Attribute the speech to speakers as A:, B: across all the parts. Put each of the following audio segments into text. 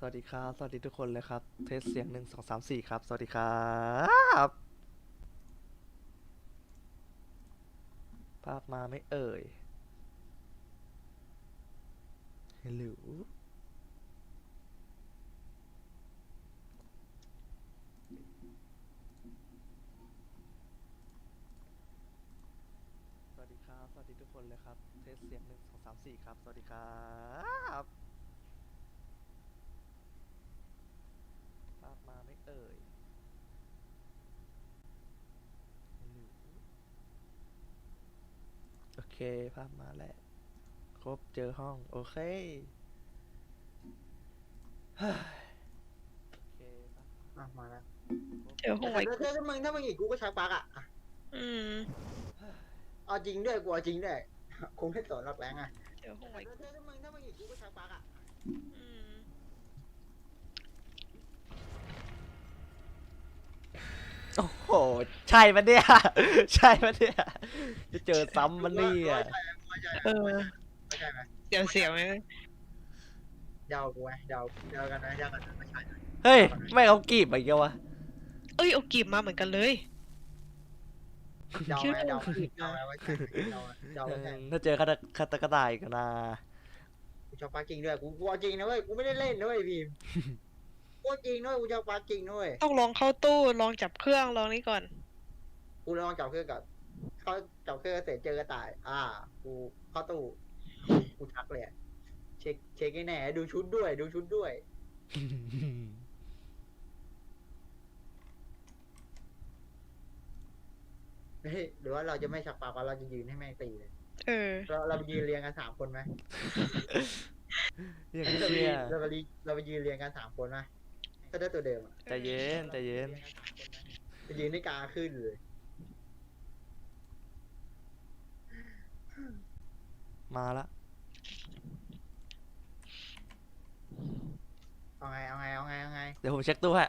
A: วัสดีครับสวัสดีทุกคนเลยครับเทสเสียง1 2 3 4ครับสวัสดีครับภาพมาไม่เอ่ยฮัลโหลสวัสดีครับสวัสดีทุกคนเลยครับเทสเสียง1 2 3 4ครับสวัสดีครับภาพมาไม่เอ่ยฮัลโหลโอเคภาพมาแล้วครบเจอห้องโอเคเฮ้ยโอเคภาพ
B: มาแล้ว
A: ครบ
C: เดี๋ยวห่วย
B: ถ้ามึงอีกกูก็ชักปลั๊กอ่ะ
C: อืม
B: เอาจริงด้วยกูเอาจริงด้วยคงไม่สนหรอกแรงอ่ะ
C: เดี๋ยวห่วย
B: ถ้ามึงอีกกูก็ชักปลั๊กอ่ะ
C: อืม
A: โอ้โหใช่ปะเนี่ย ใช่ปะเนี่ยจะเจอซ้ำมันนี่อ่ะ
C: เออ
B: เข้าใจไหม
C: เดี๋ยวเสียวไหม
B: เดากูไหมเดากันนะไม่ใช่
A: เฮ้ยไม่เอากีบอะไรวะ
C: เอ้ยเอากีบมาเหมือนกันเลย
B: เดาไหมเดาว่าใช่เดาว่าใช่
A: ถ้าเจอคาตากระต่ายกันนะ
B: กูชักปลั๊กจริงด้วยกูเอาจริงนะเว้ยกูไม่ได้เล่นนะเว้ยพิมกูจริงด้วยกูชักปลั๊กจริงด้วย
C: ต้องลองเข้าตู้ลองจับเครื่องลองนี่ก่อน
B: กูลองจับเครื่องกับเขาจับเครื่องเสร็จเจอกระต่ายกูเข้าตู้กูชักเลยเช็คให้แน่ดูชุดด้วยเฮ้ยหรือว่าเราจะไม่ชักปากว่าเราจะยืนให้แม่งตีเลย
C: เออ
B: เราไปยืนเรียงกัน3 คนไหม
A: อย่าง
B: เรา
A: นี้
B: ไป
A: เนี่ย
B: เราไปยืนเรียงกัน3 คนไหมก็ได้ตัวเดิมอ่ะ
A: ใจเย็นใจเย็น
B: ไปยืนให้กลางขึ้นเลย
A: มาละ
B: เอาไง
A: เดี๋ยวผมเช็คตู้ฮะ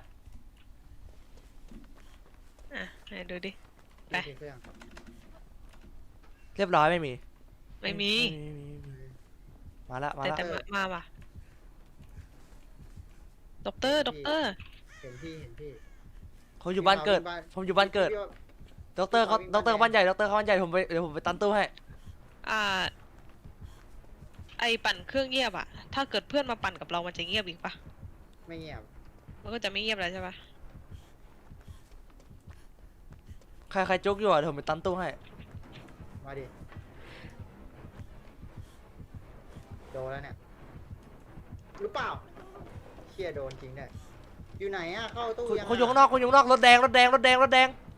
C: อ่ะไหนดูดิ ไป
B: เครื่อง
A: เรียบร้อยไม่มี
C: ไม่มี
A: มาละมา
C: แต่
A: ละ
C: แต่มาว่ะด็อกเตอร์
B: เห็นพี่
A: ผมอยู่บ้านเกิด ผมอยู่บ้านเกิดด็อกเตอร์เขาด็อกเตอร์บ้านใหญ่ด็อกเตอร์เขาบ้านใหญ่เดี๋ยวผมไปตันตู้ให้
C: อ่า ไอปั่นเครื่องเงียบอะถ้าเกิดเพื่อนมาปั่นกับเรามันจะเงียบอีกปะ
B: ไม่เงียบ
C: มันก็จะไม่เงียบแล้วใช่ปะ
A: ใครจุกอยู่อ่ะเดี๋ยวผมไปตันตู้ให้
B: มาดิโดนแล้วเนี่ยหรือเปล่าเชี่ยโดนจริงเนี่ยอยู่ไหนอะเข้าตู้ยัง
A: คุณอยู่ข้างนอกคุณอยู่ข้างนอกรถแดงขึ้นมารถแดง
B: มา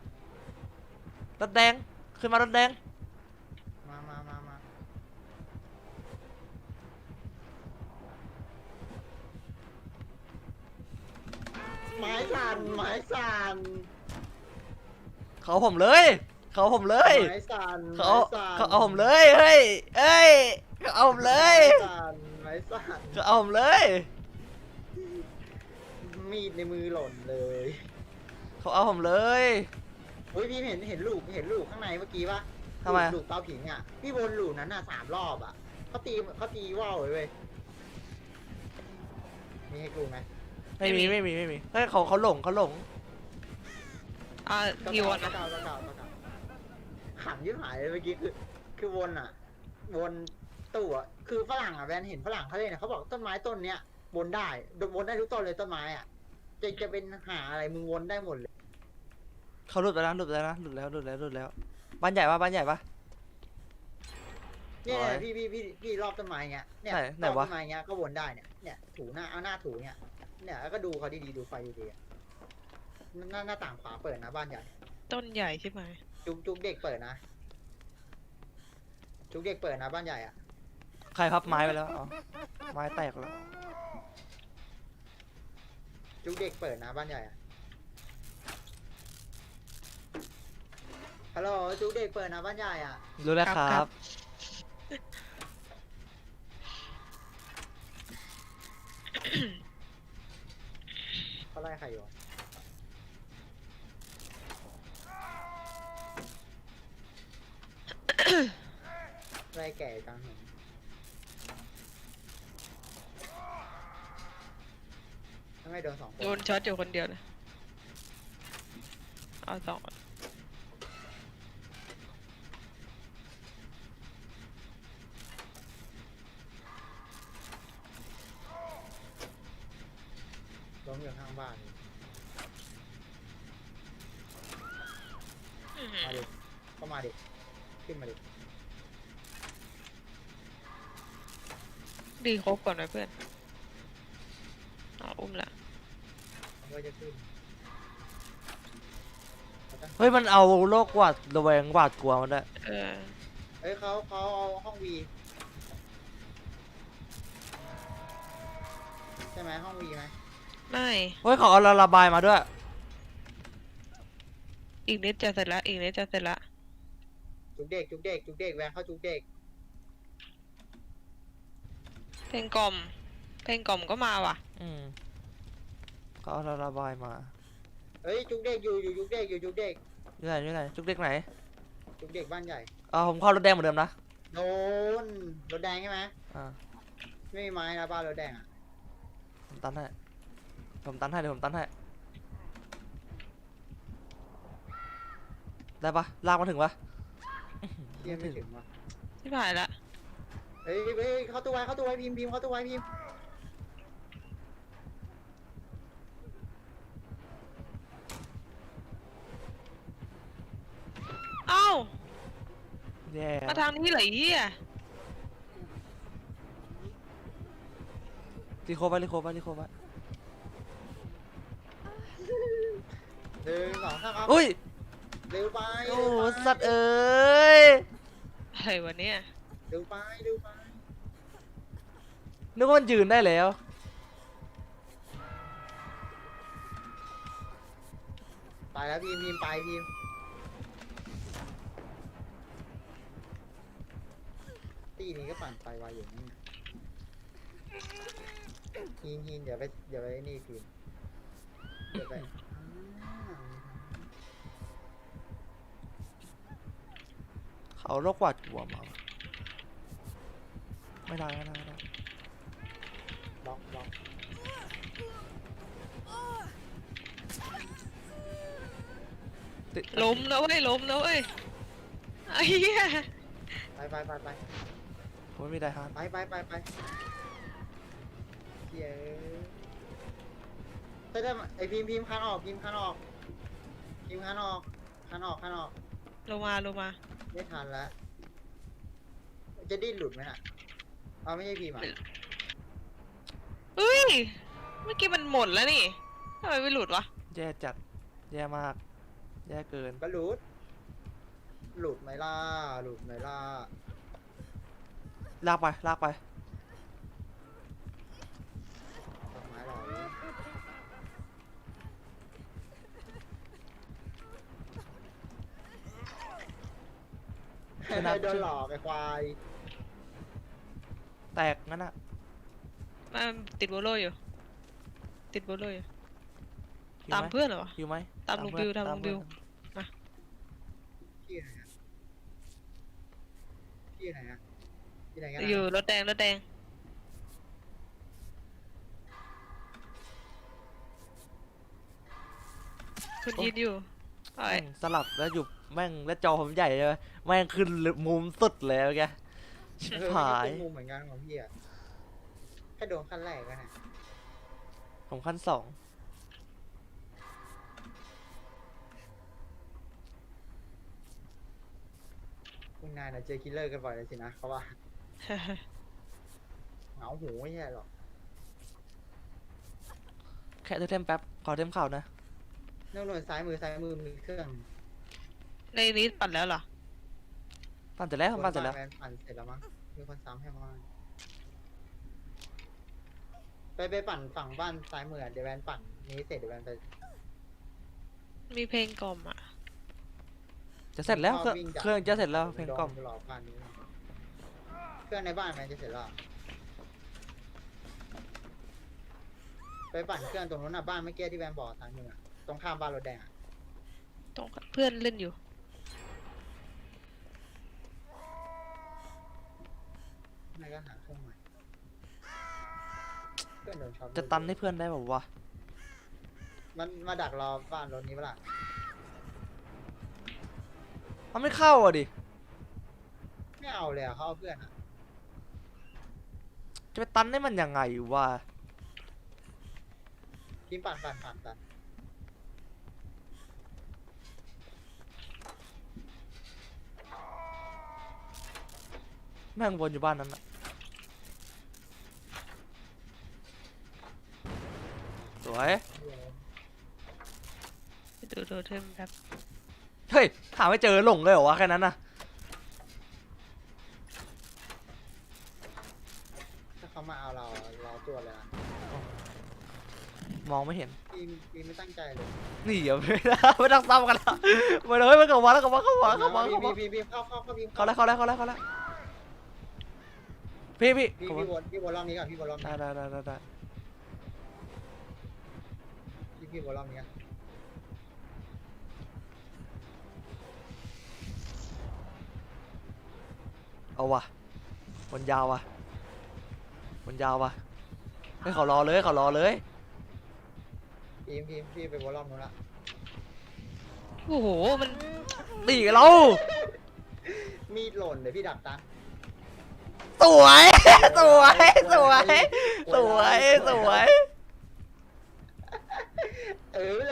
B: ไม้สั่น
A: เขาผมเลย
B: ไม้สั่น
A: เขาเอาผมเลยเฮ้ยเขาเอาผมเลย
B: ไม้สั่น
A: เขาเอาผมเลย
B: มีดในมือหล่นเลย
A: เขาเอาผมเลย
B: เฮ้ยพี่เห็นลูกข้างในเมื่อกี้ปะ
A: ทำไม
B: ลูกเตาผิงอ่ะพี่วนลูกนั้นอ่ะ3 รอบอ่ะเขาตีว่าวเลยเว้ยมีให้กูไหม
A: ไม่มีเฮ้ยเขาหลง
C: อ่าฮิวอะนะ
B: เก่าขำยิ่งหายเลยเมื่อกี้คือวนอ่ะวนตู้อ่ะคือฝรั่งอ่ะแวนเห็นฝรั่งเขาเลยนะเขาบอกต้นไม้ต้นเนี้ยวนได้ทุกต้นเลยต้นไม้อ่ะจะเป็นหาอะไรมึงวนได้หมดเลย
A: เขาหลุดไปแล้วหลุดแล้วบ้านใหญ่ปะ
B: เนี่ย
A: โอ้ย
B: พี่รอบต้นไม้เงี้ยเนี่ย
A: ไหน
B: รอบ
A: วะ
B: ต้นไม้เงี้ยก็วนได้เนี่ยถูหน้าเอาหน้าถูเนี่ยแล้วก็ดูเขาดีๆดูไฟดีๆอะหน้าต่างขวาเปิดนะบ้านใหญ่
C: ต้นใหญ่ใช่ไหม
B: จุกเด็กเปิดนะจุกเด็กเปิดนะบ้านใหญ่อ่ะ
A: ใครพับไม้ไปแล้วอ๋อไม้แตกแล้ว
B: จุกเด็กเปิดนะบ้านใหญ่อ่ะฮัลโหลจุกเด็กเปิดนะบ้านใหญ่อ่ะ
A: รู้แล้วครับ
B: เขาไล่ใครอยู่อะไล่แก่กลางถนนถ้าไม่โดน2 คน
C: โดนช็อตอยู่คนเดียวเลยเอาสอง
B: ล้มอยู่ข้างบ้านเลย
C: อื้อหือ
B: มาดิก็มาดิขึ้นมาดิ
C: ดีครบก่อนไหมเพื่อนอุ้มละ
B: มันก็จะขึ้นเขาจะ
A: เฮ้ยมันเอาโรคหวาดระแวงหวาดกลัวมันได้วย
C: เออ
B: เอ้ยเขาเอาห้องวีใช่ไหมห้องวีไหม
C: ไม่
A: เฮ้ยเขาเอาระบายมาด้วย
C: อีกนิดจะเสร็จละอีกนิดจะเสร็จละ
B: จุกเด็กจุกเด็กจุกเด็กแวงเข้าจุกเด็ก
C: เพลงกล่อมเพลงกล่อมก็มาว่ะ
A: เขาเอาระบายมา
B: เฮ้ยจุกเด็กอยู่จุกเด็กอยู่จุกเด็ก
A: อยู่ไหนอยู่ไหนจุกเด็กไหน
B: จุกเด็กบ้านใหญ่
A: ผมเข้ารถแดงเหมือนเดิมนะ
B: โดนรถแดงใช่ไหม
A: อ่า
B: ไม่มีไม้นะบ้านรถแดงอ่ะ
A: ผมตันให้เดี๋ยวผมตันให้ได้ปะลากมาถึงปะ
B: เที่ยไม่ถึงว่ะ
C: ที่ผ่านละ
B: เฮ้ยเฮ้ยเข้าตู้ไว้เข้าตู้ไว้พิมพ์เข้าตู้ไว้พิมพ์
C: เอ้า
A: แย่
C: มาทางนี้เหรอไอ้เหี้ย
A: รีโคฟไว้
B: 1 2 3ครับ
A: อุ้ย
B: เร็วไป
A: โอ้
B: เร็วไป
A: สัตว์เอ้ย
C: อะไรวะเนี่ย
B: เร็วไปเร็วไป
A: นึกว่ามันยืนได้แล้ว
B: ไปแล้วพิมพ์ไปพิมพ์ตีนี้ก็ปั่นไปไวอย่างนี้หินเดี๋ยวไปนี่พิมพ์เดี๋ยวไป
A: เขาโรคหวาดกลัวมาไม่ได้
B: บล็อก
A: ติด
C: ล้มแล้วเว้ยล้มแล้วเว้ยไอ้เหี้ย
B: ไป
A: ผมไม่มีได้ฮาร์ด
B: ไปเย้ถ้าไอพิมพ์คันออก
C: ลงมา
B: ไม่ทันแล้วจะดิ้นหลุดไหมน่ะเอาไม่ใช่พิมพ์อ่ะ
C: เฮ้ยเมื่อกี้มันหมดแล้วนี่ทำไมไม่หลุดวะ
A: แย่จัดแย่มากแย่เกิน
B: ก็หลุดไหมล่ะ
A: ลากไป
B: ดอกไม้หล่อโดนหลอกไอ้ควาย
A: แตกงั้นอะ
C: มันติดโบโลอยู่
A: หิว
C: ตาม
A: ไห
C: เพื่อนเหรอวะ
A: หิวไหม
C: ตามลุงบิวตามลุงบิว
B: ที่ไหนกัน
C: อยู่รถแดงคุณยินอยู่ไอ้
A: แม่งสลับแล้วอยู่แม่งแล้วจอผมใหญ่เลยแม่งขึ้นมุมสุดเลยแกชิบหาย
B: มุมเหมือนกันของพี่อ่ะแค่โดนขั้นแรกกันนะ
A: ผมขั้น2
B: คุณนายน่ะเจอคิลเลอร์กันบ่อยเลยสินะเขาว่าเหงาหูไม่ใช่หรอก
A: แค่เทมแป๊บขอเทมข่าวนะ
B: นอกหน่วยซ้ายมือมีเครื่อง
C: ในนี้ปั่นแล้วเหรอ
A: ปั่นเสร็จแล้วปั่นเสร็จแล้ว
B: ปั่นเสร็จแล้วมั้งมีคนซ้ำให้มาไปปั่นฝั่งบ้านซ้ายมือเดี๋ยวแวนปั่นนี้เสร็จเดี๋ยวแวนไป
C: มีเพลงกล่อมอ่ะ
A: จะเสร็จแล้วเครื่องจะเสร็จแล้วเพลงกล่อม
B: รอบ้านนี้เครื่องในบ้านแวนจะเสร็จแล้วไปปั่นเครื่องตรงนู้นน่ะบ้านเมื่อกี้ที่แวนบอกซ้ายมือตรงข้ามบ้านรถแดง
C: ตรงเพื่อนเล่นอยู่
B: ไม่ก็หาเครื่องใหม่เพื่อนโดนช็อต
A: จะตันให้เพื่อนได้แบบวะ
B: มันมาดักรอบ้านรถนี้ปะล่ะ
A: มันไม่เข้าอ่ะดิ
B: ไม่เอาเลยอะเขาเอาเพื่อนอะ
A: จะไปตันได้มันยังไงวะ
B: ทีมปั่น
A: แม่งวนอยู่บ้านนั้นอะสวย
C: ดูเทมแบบ
A: เฮ้ยหาไม่เจอหลงเลยเหรอวะแค่นั้นนะ
B: ถ้าเขามาเอาเราตัวเลยอะ
A: มองไม่เห็น
B: ทีมไม่ตั้งใจเลย
A: นี่อย่าไม่ได้ไม่ต้องซ้ำกันแล้วมาเลยมันกลับมาแล้วกลับมาเข้ามาเข้ามาเข้ามา
B: พี่เข้าพี่
A: เขาแล้วเขาแล้วเขาแล้วเขาแล้วพี่
B: พี่วนรอบนี้ก่อนพี่วนรอบนี้
A: ได้
B: พี่วนรอบนี้ก่อน
A: เอาวะวนยาววะวนยาววะเฮ้ยเขารอเลยเขารอเลย
B: ทีมพี่ไปวนรอบนู้นละ
C: โอ้โหมัน
A: ตีกับเรา
B: มีดหล่นเดี๋ยวพี่ดักตัน
A: สวยสวยสวยสวยสวย
B: เลย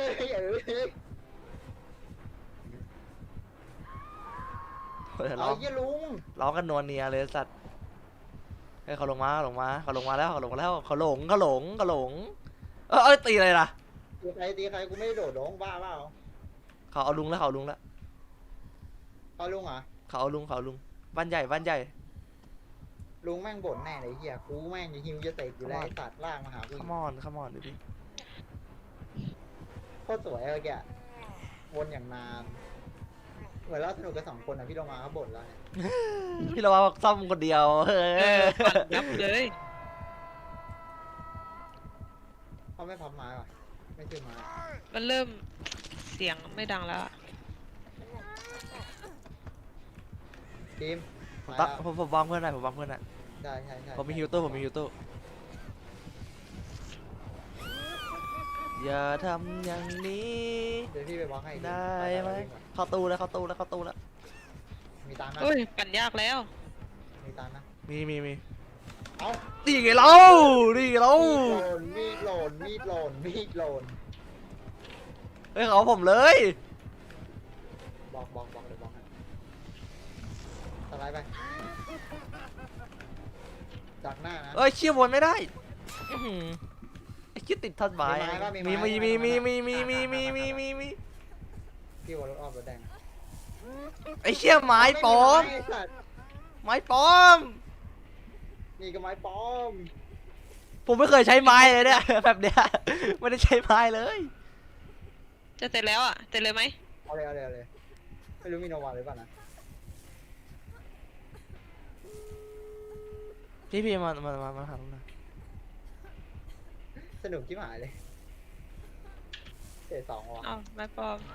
A: เรา
B: เอาเยี่ยลุง
A: เรากันนวลเนียเลยสัตว์เฮ้ยเขาลงมาเขาลงมาเขาลงมาแล้วเขาหลงเอ้ยตีอะไรล่ะ
B: ตีใครกูไม่ได้โดดลงบ้าเปล่า
A: เขาเอาลุงแล้วเขาเอาลุงแล้ว
B: เอาลุงเหรอ
A: เขาเอาลุงบ้านใหญ่
B: ลุงแม่งบ่นแน่เลยเฮียกูแม่งจะฮิวจะเตะอยู่แล้วไอ้สัตว์ล่างมาหากู
A: ขมอนดูดิ
B: โคตรสวยเลยแกวนอย่างนานเหมือนเราสนุกกัน2 คนอ่ะพี่ลงมาเขาบ่นแล้วเนี่ย
A: พี่เราว่าซ่อมคนเดียวเฮ้
C: ปั่นยับเลย
B: เขาไม่พับไม้ว่ะไม่ซื้อไม้
C: มันเริ่มเสียงไม่ดังแล้วอะ
B: ทีม
A: ผมวางเพื่อนหน่อย
B: ใช่
A: ผมมีฮิวตู้อย่าทำอย่างนี้
B: เดี๋ยวพี่ไปบล็อกให้
A: ได้ไหมเข้าตู้แล้ว
B: มีตังค์นะ
C: โอ้ยปั่นยากแล้ว
B: มีตังค์นะ
A: มี
B: เอ้า
A: ดีไงเรา
B: มีดหล่น
A: เฮ้ยเขาผมเลย
B: บล็อกเลยบล็อกให้สไลด์ไปจากหน้านะ
A: เอ้ยเชี่ยวนไม่ได้อื้อหือไอ้คิดติดทัดบาย
B: มีไม้
A: มี
B: พี่วนรถอ้อมรถแดง
A: ไอ้เชี่ยไม้ปลอม
B: ไสัตว์
A: ไม้ปลอม
B: นี่ก็ไม้ปลอม
A: ผมไม่เคยใช้ไม้เลยเนี่ย แบบเนี้ยไม่ได้ใช้ไม้เลย
C: จะเสร็จแล้วอ่ะเสร็จเลยไหม
B: เอาเลยไม่รู้มีโนวาหรือเปล่านะ
A: พี่มาหาผมหน่อย
B: สนุกที่หมายเลยเตะ2ว่ะ
C: อ้าวไม่ปลอม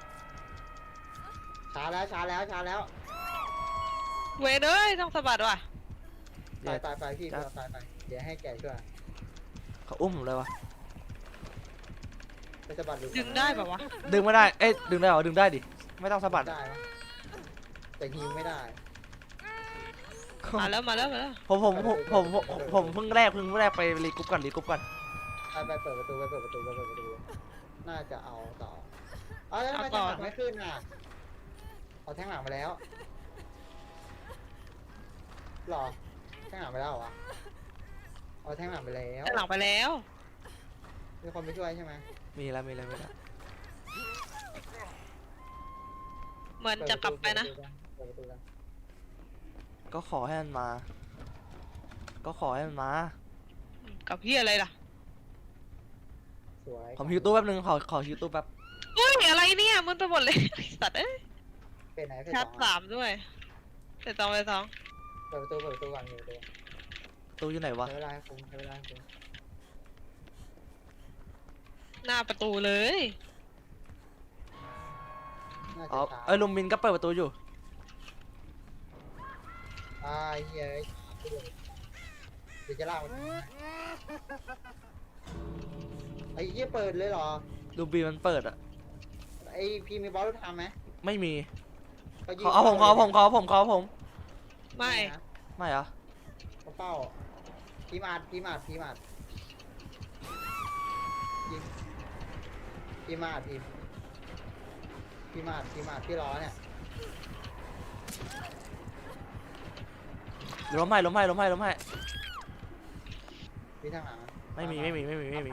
B: ช้าแล้ว
C: เวรเอ้ยต้องสะบัดว่ะ
B: ตายพี่ตายไปเดี๋ยวให้แกช่วย
A: เขาอุ้มผมเลยวะ
B: ไปสะบัดดู
C: ดึงได้แบบวะ
A: ดึงไม่ได้เอ้ยดึงได้เหรอดึงได้ดิไม่ต้องสะบัด
B: ได้ปะแต่ฮิวไม่ได้
C: มาแล้ว
A: ผมเพิ่งแรกไปรีกรุ๊ปก่อน
B: ไปเปิดประตูน่าจะเอาต่อแล้วทำไมแทงหลังไม่ขึ้นอ่ะเอาแทงหลังไปแล้วหรอแทงหลังไปแล้วเหรอวะเอาแทงหลังไปแล้ว
C: ด้านหลังไปแล้ว
B: มีคนไปช่วยใช่ไหม
A: มีแล้ว
C: เหมือนจะกลับไปนะ
B: เปิดประตูกัน
A: ก็ขอให้มันมา
C: กับพี่อะไรล่ะ
B: สวย
A: ผมฮิวตู้แป๊บนึงขอฮิวตู้แป๊บ
C: เฮ้ยอะไรเนี่ยมึนไปหมดเลย สัตว์เอ้ย
B: เป็นไหนเป็น
C: ชา
B: ส
C: ร์จ
B: อง
C: 3ด้วยเสร็จ2ไป2
B: เปิดประตูก่อนเปิดประตู
A: ตู้อยู่ไหนวะ
B: ใช้เวลาให้คุ้ม
C: หน้าประตูเลย
B: น่า
A: อ๋อ
B: จะช้า
A: เอ้ยลุงมินก็เปิดประตูอยู่
B: เฮียเดี๋ยวจะลากมันไอ้เหี้ยเปิดเลยเหรอ
A: ดูบีมันเปิดอะ
B: ไอพี่มีบอลรถทำไหม
A: ไม่มี
B: ยืน
A: เขาเอาผมเขาเอาผมเขาเอาผมเขาเอาผม
C: ไม่
B: นะ
A: ไม่เหรอ
B: เขาเป้าพีมาดพีมาดพีมาดยิงพีมาดพีพีมาดพีมาดพี่ล้อเนี่ย
A: ล้มให้ล้มให้ล้มให้ล้มให้
B: พี่ทางหลัง
A: ไม่มีไม่มีไม่มีไม่มี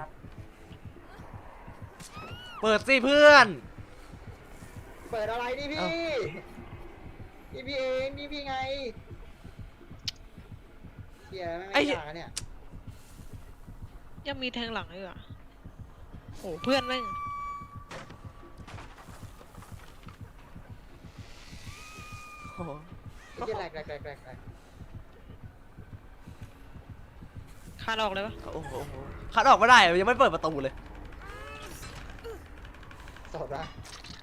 A: เปิดสิเพื่อน
B: เปิดอะไรนี่พี่
A: เอ้า
B: นี่พี่เองนี่พี่ไงเฮียไม่ยากอะเนี่ย
C: ยังมีแทงหลังอยู่อ่ะโอ้เพื่อนแม่ง
A: โอ้โห
B: ไอ้เฮียแหลกแหลกแหลกแหลกแหลก
C: คานออกเลยปะ
A: โอ้โหคัดออกไม่ได้ยังไม่เปิดประตูเลย
B: สดวะ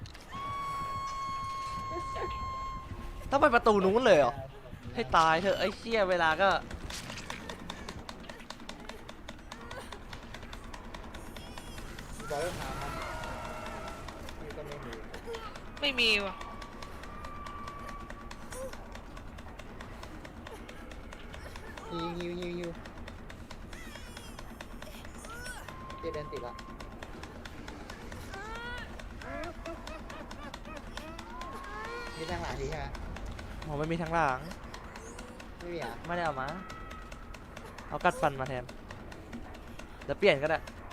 A: ต้องไปประตูนู้นเลยเหรอให้ตายเถอะไอ้เชี่ยเวลาก็
B: บอลรถทำครับนี่ก็ไม่มี
C: ไม่มีว่ะ
B: ฮิวเจเดนติดละมีทางหลังดีใช่ไหม
A: ผมไม่มีทั้งหลัง
B: ไม่มีอ่ะ
A: ไม่ได้เอามาเอากัดฟันมาแทนเดี๋ยวเปลี่ยนก็ได้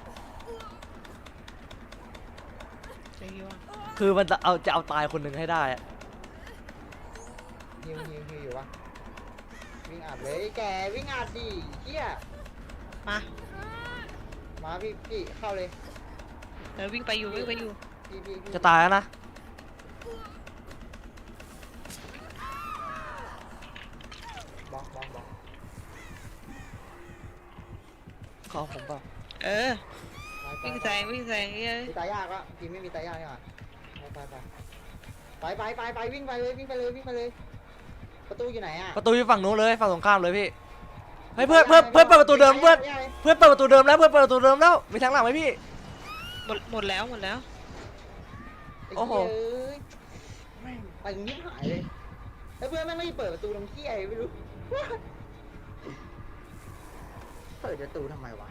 C: เจะยว
A: คือมันจะเอาตายคนหนึ่งให้ได้อะ
B: ฮิวอยู่วะวิ่งอัดเลยแกวิ่งอัดดิเฮีย
C: มา
B: มาพี่เข้าเลย
C: เดี๋ยววิ่งไปอยู่วิ่งไปอยู่
B: พี่
A: จะตายแล้วนะ
B: บล็อก
A: ขอผมเปล่า
C: เออวิ่งแซงวิ่งแซงเอ้ย
B: มีตายยากวะพี่ไม่มีตายยากนี่หว่าไปวิ่งไปเลยประตูอยู่ไหนอ่ะ
A: ประตูอยู่ฝั่งนู้นเลยฝั่งตรงข้ามเลยพี่เฮ้ยเพื่อนเปิดประตูเดิมเพื่อนเปิดประตูเดิมแล้วเพื่อนเปิดประตูเดิมแล้วมีทางหลังไหมพี่
C: หมดแล้ว
A: โอ้โห
B: แม่งไปยิ้มหายเลยแล้วเพื่อนแม่งไม่เปิดประตูตรงที่ไอ้ไม่รู้เปิดประตูทำไมวะ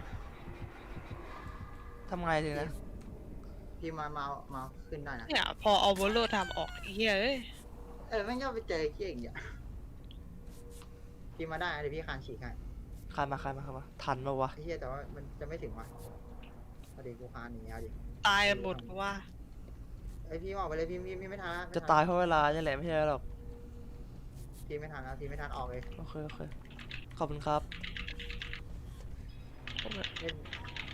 A: ทำไงทีนะ
B: พี่มาขึ้นได้นะ
C: เนี่ยพอเอาโบโลทำออกไอ้เฮียเอ้ย
B: แม่งชอบไปเจอเขี้ยอย่างเงี้ยพี่มาได้นะเดี๋ยวพี่คานฉีกให้
A: คานมาทันปะวะ
B: ไอ้เหี้ยแต่ว่ามันจะไม่ถึงวะเอาดิกูคานอย่างเงี้ยเอาดิ
C: ตายกันหมดเพราะว่า
B: ไอพี่ออกไปเลยพี่ไม่ทัน
A: จะตายเพราะเวลานี่แหละไม่ใช่หรอก
B: พี่ไม่ทันนะพี่ไม่ทันออกเลย
A: โอเคขอบคุณครับ
B: เล่น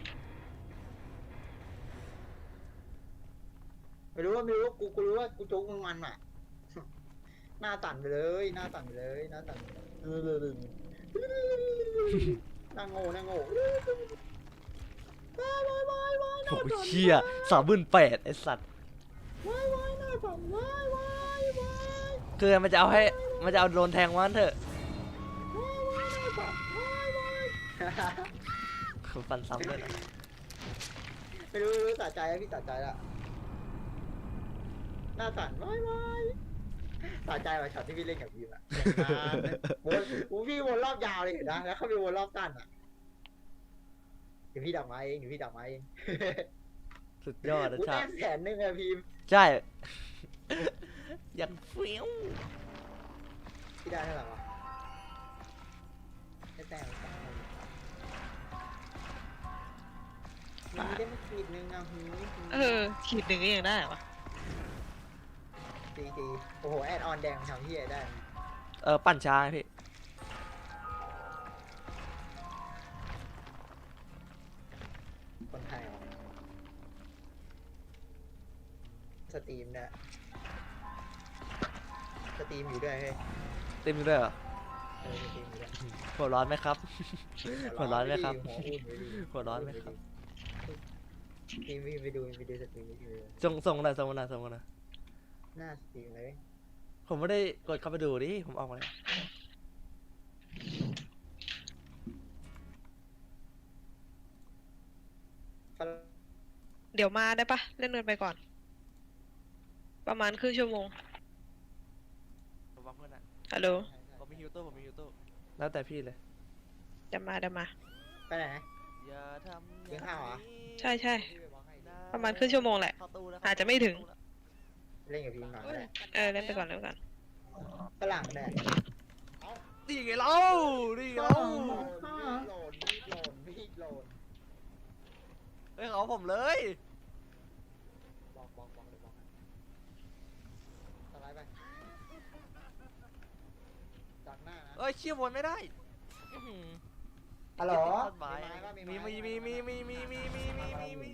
B: ไม่รู้กูรู้ว่ากูโจ๊กมึงมันอ่ะ หน้าสั่นไปเลยหน้าสั่นไปเลยหน้าสั่นหน้าโง่ว้าย
A: โอ้ยเชี่ย38,000ไอ้สัตว์
B: ว้ายหน้าสั่นว้าย
A: คือมันจะเอาโดนแทงวันเถอะคือฟันซ้ำเลยนะ
B: ไม่รู้สะใจแล้วพี่สะใจแล้วหน้าสั่นว้ายสะใจว่ะช็อตที่พี่เล่นกับพี่อะวนพี่วนรอบยาวเลยเห็นนะแล้วเขาไปวนรอบสั้นอ่ะเดี๋ยวพี่ดักไม้เอง
A: สุดยอดนะ
B: กู
A: ชา
B: ได้100,000อะพิมพ์
A: ใช่ยังเฟี้ยว
B: พี่ได้เท่าไหร่วะได้แต่มีได้ไม่ขีดนึงอ่ะ
C: ขีดหนึ่งก็ยังได้วะ
B: ตีโอ้โหแอดออนแดงทำที่ได้
A: ปั่นช้าไงพี่
B: คนไทยสตรีมเนี่ยสตรีมอยู่ด้วยเฮ้ย
A: เต็มด้วยเหรอ
B: สตรีมอยู่ด้วย
A: หัวร้อนไหมครับ หัวร้อนไหมครับ
B: หัวอุ่นไปดิ
A: หัวร้อนไหมครับ
B: ทีมไปดูสตรีมไปดู
A: ส่งมาหน่อย
B: หน้าสตรีมเลย
A: ผมไม่ได้กดเข้าไปดูดิผมออกมาแล้ว
B: ฝ
C: เดี๋ยวมาได้ปะเล่นเงินไปก่อน ประมาณครึ่งชั่วโมง
A: ผมวางเพื่อนอะ
C: ฮัลโหล
A: ผมมีฮิวตู้ผมมีฮิวตู้แล้วแต่พี่เลย
C: เดี๋ยวมา
B: ไปไหน
A: อย่าทำ
B: กินข้าวเหรอ
C: ใช่ใช่
B: พี่ไปบล็อกให้
C: ประมาณครึ่งชั่วโมงแหละ
A: เข้าตู้แล้ว
C: อาจจะไม่ถึง
B: เล่นกับพี่ก่อนก็ได้
C: เล่นไปก่อนเล่นไปก่อน
B: ฝรั่งแดด
A: ดีไงเราดีไงเรา
B: โหลดมีดโหลดมีดโหลด
A: เฮ้ยเขาผมเลย
B: บอกเลยบอกสไลด์ไปดักหน้านะ
A: เอ้ยเชี่ยวนไม่ได้อื้อหือ
B: ฮัลโหล
A: ต้นไม้มี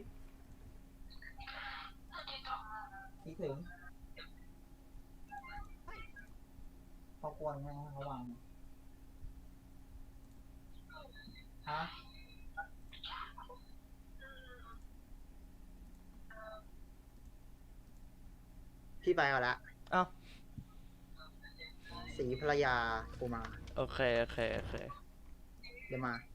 B: คิดถึงเขาควรไหมเขาวางฮะพี่ไปเอาละ
A: เอ้า
B: สีภรรยากูมา
A: โอเค
B: เดี๋ยวมา